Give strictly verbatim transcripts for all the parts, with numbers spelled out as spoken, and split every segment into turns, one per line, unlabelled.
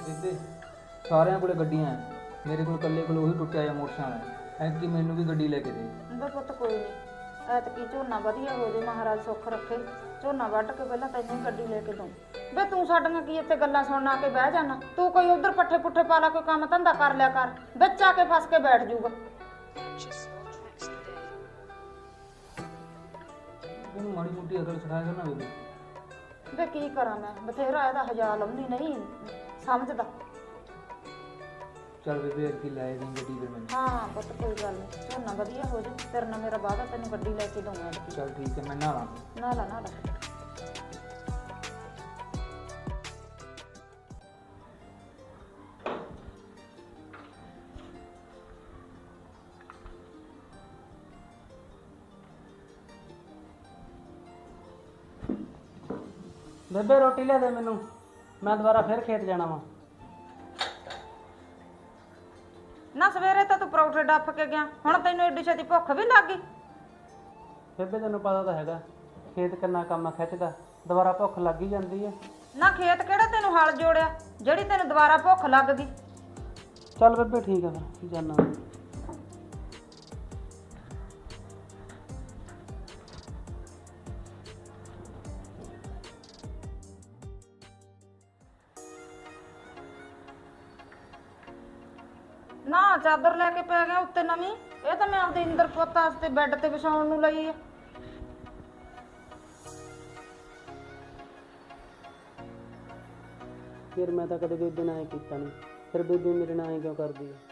ਬੇਬੇ ਸਾਰਿਆਂ ਕੋਲੇ ਗੱਡੀਆਂ ਐ, ਮੇਰੇ ਕੋਲ ਇਕੱਲੇ ਕੋਲ ਉਹੀ ਟੁੱਟਿਆ ਜਿਹਾ ਮੋਟਰਸਾਈਕਲ ਐ। ਐਤਕੀ ਮੈਨੂੰ ਵੀ ਗੱਡੀ ਲੈ ਕੇ ਦੇ।
ਬੇ ਪੁੱਤ ਕੋਈ ਨਹੀਂ, ਐਤਕੀ ਝੋਨਾ ਵਧੀਆ ਹੋ ਜੇ, ਮਹਾਰਾਜ ਸੁੱਖ ਰੱਖੇ। ਝੋਨਾ ਵੱਢ ਕੇ ਪਹਿਲਾਂ ਤੈਨੂੰ ਗੱਡੀ ਲੈ ਕੇ ਦਊਂ। ਬੇ ਤੂੰ ਸਾਡੀਆਂ ਕੀ ਇੱਥੇ ਗੱਲਾਂ ਸੁਣਨ ਆ ਕੇ ਬਹਿ ਜਾਣਾ? ਤੂੰ ਕੋਈ ਉਧਰ ਪੱਠੇ ਪੁੱਠੇ ਪਾ ਲਾ, ਕੋਈ ਕੰਮ ਧੰਦਾ ਕਰ ਲਿਆ ਕਰ, ਵਿੱਚ ਆ ਕੇ ਫਸ ਕੇ ਬੈਠ ਜਾਊਗਾ।
ਇਹਨੂੰ ਮਾੜੀ ਮੋਟੀ ਅਕਲ ਸਿਖਾਇਆ ਕਰਨਾ ਬੇਬੇ।
ਵੇ ਕੀ ਕਰਾਂ ਮੈਂ, ਬਥੇਰਾ ਇਹਦਾ ਹਜ਼ਾਰ ਲਾਉਂਦੀ ਨਹੀਂ ਸਮਝਦਾ।
ਚੱਲ ਬੇਬੇ ਐਤਕੀ ਲੈ ਦੇ ਗੱਡੀ ਫਿਰ ਮੈਨੂੰ।
ਹਾਂ ਪੁੱਤ ਕੋਈ ਗੱਲ ਨਹੀਂ, ਝੋਨਾ ਵਧੀਆ ਹੋ ਜੇ, ਤੇਰੇ ਨਾਲ ਮੇਰਾ ਵਾਅਦਾ, ਤੈਨੂੰ ਗੱਡੀ ਲੈ ਕੇ ਦਊਂਗਾ।
ਚੱਲ ਠੀਕ ਹੈ, ਮੈਂ ਨਹਾ
ਨਾ ਲਾ ਨਾ ਲਾ।
ਬੇਬੇ ਰੋਟੀ ਲਿਆ ਦੇ ਮੈਨੂੰ, ਮੈਂ ਦੁਬਾਰਾ ਫਿਰ ਖੇਤ ਜਾਣਾ ਵਾ।
ਨਾ ਸਵੇਰੇ ਤਾਂ ਤੂੰ ਪਰੌਠੇ ਡੱਫ ਕੇ ਗਿਆ, ਹੁਣ ਤੈਨੂੰ ਏਡੀ ਛੇਤੀ ਭੁੱਖ ਵੀ ਲੱਗ ਗਈ?
ਬੇਬੇ ਤੈਨੂੰ ਪਤਾ ਤਾਂ ਹੈਗਾ ਖੇਤ ਕਿੰਨਾ ਕੰਮ ਖਿੱਚਦਾ, ਦੁਬਾਰਾ ਭੁੱਖ ਲੱਗ ਹੀ ਜਾਂਦੀ ਹੈ।
ਨਾ ਖੇਤ ਕਿਹੜਾ ਤੈਨੂੰ ਹਲ ਜੋੜਿਆ ਜਿਹੜੀ ਤੈਨੂੰ ਦੁਬਾਰਾ ਭੁੱਖ ਲੱਗ ਗਈ?
ਚੱਲ ਬੇਬੇ ਠੀਕ ਆ, ਫਿਰ ਜਾਣਾ।
ਨਾ ਚਾਦਰ ਲੈ ਕੇ ਪੈ ਗਿਆ ਉੱਤੇ ਨਵੀਂ, ਇਹ ਤਾਂ ਮੈਂ ਆਪਦੇ ਇੰਦਰ ਪੁੱਤ ਵਾਸਤੇ ਬੈੱਡ ਤੇ ਵਿਛਾਉਣ ਨੂੰ ਲਈ ਹੈ।
ਫਿਰ ਮੈਂ ਤਾਂ ਕਦੇ ਬੇਬੇ ਨਾਲ ਐਂ ਕੀਤਾ ਨਹੀਂ, ਫਿਰ ਬੇਬੇ ਮੇਰੇ ਨਾਲ ਐਂ ਕਿਉਂ ਕਰਦੀ ਹੈ?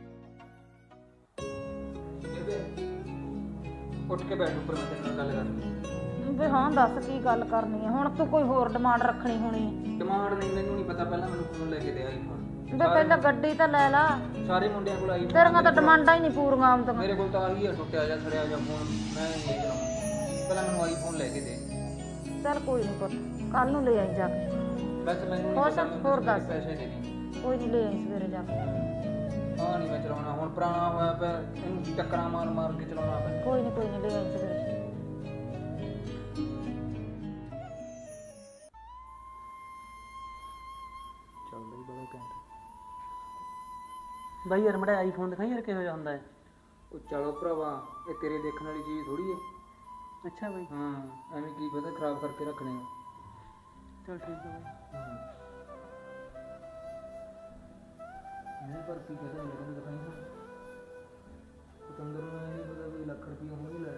ਬੇਬੇ ਉੱਠ ਕੇ ਬੈਠ ਉੱਪਰ, ਮੈਂ ਤੇਰੇ ਨਾਲ ਗੱਲ ਕਰਨੀ।
ਵੀ ਹਾਂ ਦੱਸ ਕੀ ਗੱਲ ਕਰਨੀ ਹੈ? ਹੁਣ ਤੂੰ ਕੋਈ ਹੋਰ ਡਿਮਾਂਡ ਰੱਖਣੀ ਹੋਣੀ ਹੈ।
ਡਿਮਾਂਡ ਨਹੀਂ, ਮੈਨੂੰ ਨਹੀਂ ਪਤਾ, ਪਹਿਲਾਂ ਮੈਨੂੰ ਫੋਨ ਲੈ ਕੇ ਦੇ ਆਈਫੋਨ।
ਵੀ ਪਹਿਲਾਂ ਗੱਡੀ ਤਾਂ ਲੈ ਲਾ,
ਸਾਰੇ ਮੁੰਡਿਆਂ ਕੋਲ ਆਈਫੋਨ,
ਤੇਰੀਆਂ ਤਾਂ ਡਿਮਾਂਡਾਂ ਹੀ ਨਹੀਂ ਪੂਰੀਆਂ ਆਉਂਦੀਆਂ।
ਮੇਰੇ ਕੋਲ ਤਾਂ ਆਹੀ ਆ ਟੁੱਟਿਆ ਜਾਂ ਸੜਿਆ ਜਾਂ ਫੋਨ, ਮੈਂ ਨਹੀਂ ਚਲਾਉਣਾ। ਪਹਿਲਾਂ ਮੈਨੂੰ ਆਈਫੋਨ ਲੈ ਕੇ ਦੇ।
ਚੱਲ ਕੋਈ ਨਹੀਂ ਪੁੱਤ, ਕੱਲ ਨੂੰ ਲੈ ਆਈ ਜਾ ਕੇ।
ਬਸ ਮੈਨੂੰ
ਹੋਰ
ਨਹੀਂ
ਸਭ
ਪਤਾ,
ਹੋਰ
ਮੈਨੂੰ
ਦੱਸ।
ਪੈਸੇ ਦੇ ਦੇ।
ਕੋਈ ਨਹੀਂ ਲੈ ਆਈ ਸਵੇਰੇ ਜਾ ਕੇ।
ਹਾਂ ਨਹੀਂ ਮੈਂ ਚਲਾਉਣਾ, ਹੁਣ ਪੁਰਾਣਾ ਹੋਇਆ ਪਿਆ, ਇਹਨੂੰ ਟੱਕਰਾਂ ਮਾਰ ਮਾਰ ਕੇ ਚਲਾਉਣਾ ਪੈਂਦਾ।
ਕੋਈ ਨਹੀਂ ਕੋਈ ਨਹੀਂ ਲੈ ਆਈ ਸਵੇਰੇ।
ਚੱਲਦਾ ਹੀ ਬੜਾ ਘੈਂਟ।
ਬਾਈ ਯਾਰ ਮੜਾ ਆਈਫੋਨ ਦਿਖਾਈ ਯਾਰ ਕਿਹੋ ਜਿਹਾ ਹੁੰਦਾ ਹੈ।
ਉਹ ਚਲੋ ਭਰਾਵਾ, ਇਹ ਤੇਰੇ ਦੇਖਣ ਵਾਲੀ ਚੀਜ਼ ਥੋੜੀ ਹੈ।
ਅੱਛਾ ਬਾਈ,
ਹਾਂ ਐਵੇਂ ਕੀ ਪਤਾ ਖਰਾਬ ਕਰਕੇ ਰੱਖਣੇ ਆ।
ਚਲ ਠੀਕ ਹੈ ਬਾਈ।
ਹਾਂ ਨਹੀਂ ਪਰ ਕੀ ਕਹਦਾ ਮੇਰੇ ਦਿਖਾਈ ਨਾ, ਪਤੰਦਰ ਨੂੰ ਇਹ ਨਹੀਂ ਪਤਾ ਵੀ ਲੱਖ ਰੁਪਈਆ ਹੁਣ ਵੀ ਲੈ।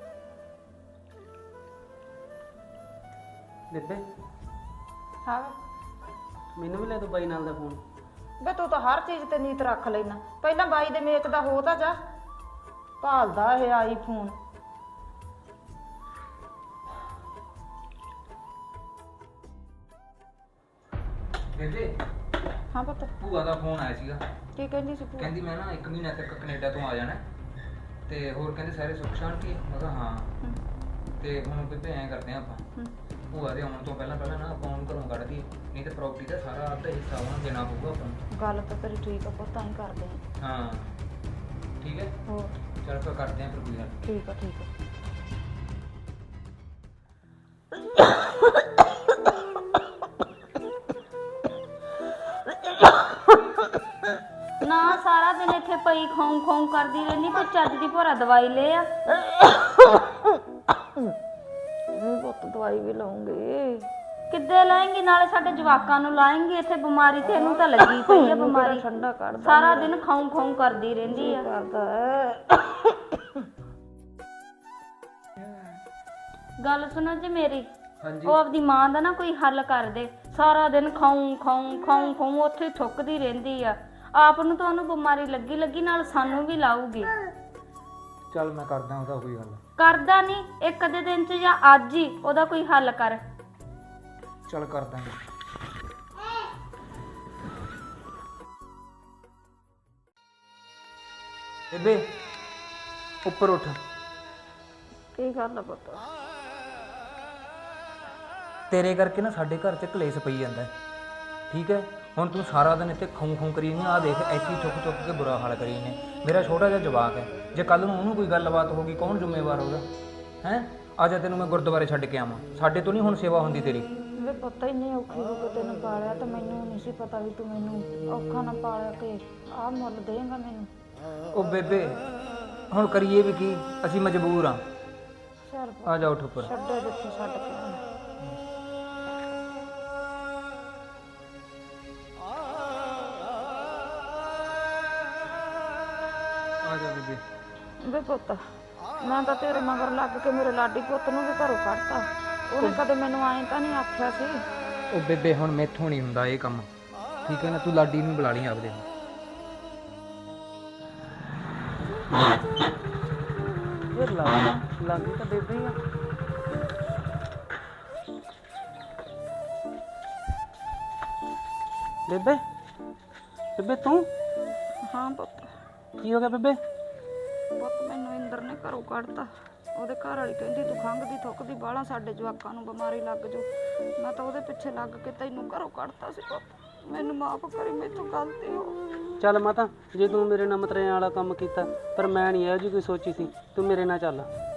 ਬੇਬੇ
ਹਾਂ
ਮੈਨੂੰ ਵੀ ਲੈ ਦੋ ਬਾਈ ਨਾਲ ਦਾ ਫੋਨ।
ਬੇ ਤੂੰ ਤਾਂ ਹਰ ਚੀਜ਼ ਤੇ ਨੀਤ ਰੱਖ ਲੈਣਾ, ਪਹਿਲਾਂ ਬਾਈ ਦੇ ਮੇਚ ਦਾ ਹੋ ਤਾਂ ਜਾ, ਭਾਲਦਾ ਇਹ ਆਈਫੋਨ।
ਬੇਬੇ
ਹਾਂ ਪੁੱਤ
ਭੂਆ ਦਾ ਫੋਨ ਆਇਆ ਸੀਗਾ,
ਕੀ ਕਹਿੰਦੀ ਸੀ ਭੂਆ?
ਕਹਿੰਦੀ ਮੈਂ ਨਾ ਇੱਕ ਮਹੀਨਾ ਤੱਕ ਕੈਨੇਡਾ ਤੋਂ ਆ ਜਾਣਾ ਤੇ ਹੋਰ ਕਹਿੰਦੇ ਸਾਰੇ ਸੁੱਖ ਸ਼ਾਂਤੀ ਹੈ। ਮੈਂ ਕਿਹਾ ਹਾਂ। ਤੇ ਹੁਣ ਬੇਬੇ ਐਂ ਕਰਦੇ ਆ ਆਪਾਂ,
ਹੂੰ।
ਭੂਆ ਦੇ ਆਉਣ ਤੋਂ ਪਹਿਲਾਂ ਪਹਿਲਾਂ ਨਾ ਆਪਾਂ ਉਹਨੂੰ ਘਰੋਂ ਕੱਢ ਦਈਏ, ਨਹੀਂ ਤੇ ਪ੍ਰਾਪਰਟੀ ਦਾ ਸਾਰਾ ਅੱਧਾ ਹਿੱਸਾ ਉਹਨੂੰ ਦੇਣਾ ਪਊਗਾ ਆਪਾਂ ਨੂੰ।
ਗੱਲ ਤਾਂ ਤੇਰੀ ਠੀਕ ਆ ਪੁੱਤ, ਤਾਂ ਹੀ ਕਰਦੇ ਆ।
ਹਾਂ ਠੀਕ ਹੈ,
ਹੋਰ
ਚੱਲ ਫਿਰ ਕਰਦੇ ਆ ਫਿਰ ਕੋਈ ਗੱਲ।
ਠੀਕ ਆ ਠੀਕ ਆ।
ਨਾ ਸਾਰਾ ਦਿਨ ਇੱਥੇ ਪਈ ਖੌਂ ਖੌਂ ਕਰਦੀ ਰਹਿੰਦੀ, ਕੋਈ ਚੱਜ ਦੀ ਭੋਰਾ ਦਵਾਈ ਲੈ ਆ।
ਪੁੱਤ ਦਵਾਈ ਵੀ ਲਾਉਂਗੇ।
ਕਿੱਦੇ ਲਾਏਂਗੀ? ਨਾਲੇ ਸਾਡੇ ਜਵਾਕਾਂ ਨੂੰ ਲਾਏਂਗੀ। ਇੱਥੇ ਬਿਮਾਰੀ ਤੇ ਇਹਨੂੰ ਤਾਂ ਲੱਗੀ ਪਈ ਆ ਬਿਮਾਰੀ,
ਠੰਡਾ ਕੱਢਦਾ
ਸਾਰਾ ਦਿਨ ਖੌਂ ਖੌਂ ਕਰਦੀ ਰਹਿੰਦੀ ਆ।
ਕਰਦਾ ਹੈ।
ਗੱਲ ਸੁਣੋ ਜੀ ਮੇਰੀ,
ਹਾਂਜੀ
ਉਹ ਆਪਦੀ ਮਾਂ ਦਾ ਨਾ ਕੋਈ ਹੱਲ ਕਰ ਦੇ। ਸਾਰਾ ਦਿਨ ਖੌਂ ਖੌਂ ਖੌਂ ਖੌਂ ਉੱਥੇ ਥੁੱਕਦੀ ਰਹਿੰਦੀ ਆ। ਆਪ ਨੂੰ ਤਾਂ ਉਹਨੂੰ ਬਿਮਾਰੀ ਲੱਗੀ ਲੱਗੀ, ਨਾਲ ਸਾਨੂੰ ਵੀ ਲਾਊਗੀ।
ਚੱਲ ਮੈਂ ਕਰਦਾ ਉਹਦਾ ਕੋਈ ਹੱਲ।
ਕਰਦਾ ਨਹੀਂ, ਇੱਕ ਅੱਧੇ ਦਿਨ ਚ ਜਾਂ ਅੱਜ ਹੀ ਉਹਦਾ ਕੋਈ ਹੱਲ ਕਰ।
ਚੱਲ ਕਰ ਦਾਂਗੇ। ਬੇਬੇ ਉੱਪਰ ਉੱਠ।
ਕੀ ਕਰਨਾ ਪੁੱਤ?
ਤੇਰੇ ਕਰਕੇ ਨਾ ਸਾਡੇ ਘਰ 'ਚ ਕਲੇਸ਼ ਪਈ ਜਾਂਦਾ ਹੈ, ਠੀਕ ਹੈ। ਹੁਣ ਤੂੰ ਸਾਰਾ ਦਿਨ ਇੱਥੇ ਖੂੰ ਖੂੰ ਕਰੀ ਨਹੀਂ, ਆਹ ਦੇਖ ਐਸੀ ਚੁੱਕ ਚੁੱਕ ਕੇ ਬੁਰਾ ਹਾਲ ਕਰੀ ਨੇ। ਮੇਰਾ ਛੋਟਾ ਜਿਹਾ ਜਵਾਕ ਹੈ, ਜੇ ਕੱਲ ਨੂੰ ਉਹਨੂੰ ਕੋਈ ਗੱਲਬਾਤ ਹੋ ਗਈ ਕੌਣ ਜ਼ਿੰਮੇਵਾਰ ਹੋਗਾ? ਹੈਂ, ਅੱਜ ਤੈਨੂੰ ਮੈਂ ਗੁਰਦੁਆਰੇ ਛੱਡ ਕੇ ਆਵਾਂ, ਸਾਡੇ ਤੋਂ ਨਹੀਂ ਹੁਣ ਸੇਵਾ ਹੁੰਦੀ ਤੇਰੀ।
ਵੇ ਵੇ ਪੁੱਤ ਇੰਨੀ ਔਖੀ ਹੋ ਕੇ ਤੈਨੂੰ ਪਾਲਿਆ ਤੇ ਮੈਨੂੰ ਨਹੀਂ ਸੀ ਪਤਾ ਵੀ ਤੂੰ ਮੈਨੂੰ ਔਖਾ ਨਾ ਪਾਲਿਆ ਕਿ ਆਹ ਮੁੱਲ ਦੇਂਗਾ ਮੈਨੂੰ।
ਉਹ ਬੇਬੇ ਹੁਣ ਕਰੀਏ ਵੀ ਕੀ, ਅਸੀਂ ਮਜਬੂਰ ਆ।
ਚੱਲ
ਆ ਜਾ ਉੱਠ ਉੱਪਰ।
ਛੱਡੋ ਜਿੱਥੇ ਛੱਡ ਕੇ ਆਉਣਾ।
ਆ ਜਾ ਬੇਬੇ।
ਵੇ ਪੁੱਤ ਮੈਂ ਤਾਂ ਤੇਰੇ ਮਗਰ ਲੱਗ ਕੇ ਮੇਰੇ ਲਾਡੀ ਪੁੱਤ ਨੂੰ ਵੀ ਘਰੋਂ ਕੱਢਤਾ। ਉਹਨੇ ਕਦੇ ਮੈਨੂੰ ਐਂ ਤਾਂ ਨਹੀਂ ਆਖਿਆ ਸੀ।
ਉਹ ਬੇਬੇ ਹੁਣ ਮੈਥੋਂ ਨਹੀਂ ਹੁੰਦਾ ਇਹ ਕੰਮ, ਠੀਕ ਹੈ ਨਾ? ਤੂੰ ਲਾਡੀ ਨੂੰ ਬੁਲਾ ਲਈ ਆਪਦੇ ਨੂੰ।
ਇਹ ਲੱਗਦਾ ਲੱਗੀ ਤਾਂ ਬੇਬੇ ਹੀ ਆ। ਬੇਬੇ ਬੇਬੇ ਤੂੰ
ਹਾਂ ਪੁੱਤ।
ਕੀ ਹੋ ਗਿਆ ਬੇਬੇ?
ਪੁੱਤ ਮੈਨੂੰ ਇੰਦਰ ਨੇ ਘਰੋਂ ਕੱਢਤਾ। ਉਹਦੇ ਘਰ ਵਾਲੀ ਕਹਿੰਦੀ ਤੂੰ ਖੰਘਦੀ ਥੁੱਕਦੀ ਬਾਹਲਾ ਸਾਡੇ ਜਵਾਕਾਂ ਨੂੰ ਬਿਮਾਰੀ ਲੱਗ ਜਾਊ। ਮੈਂ ਤਾਂ ਉਹਦੇ ਪਿੱਛੇ ਲੱਗ ਕੇ ਤੈਨੂੰ ਘਰੋਂ ਕੱਢਤਾ ਸੀ ਪੁੱਤ। ਮੈਨੂੰ ਮਾਫ ਕਰੀ, ਮੈਥੋਂ ਗਲਤੀ ਹੋ।
ਚੱਲ ਮਾਤਾ, ਜੇ ਤੂੰ ਮੇਰੇ ਨਾਲ ਮਤਰੇਆਂ ਵਾਲਾ ਕੰਮ ਕੀਤਾ, ਪਰ ਮੈਂ ਨਹੀਂ ਇਹੋ ਜਿਹੀ ਕੋਈ ਸੋਚੀ ਸੀ। ਤੂੰ ਮੇਰੇ ਨਾਲ ਚੱਲ।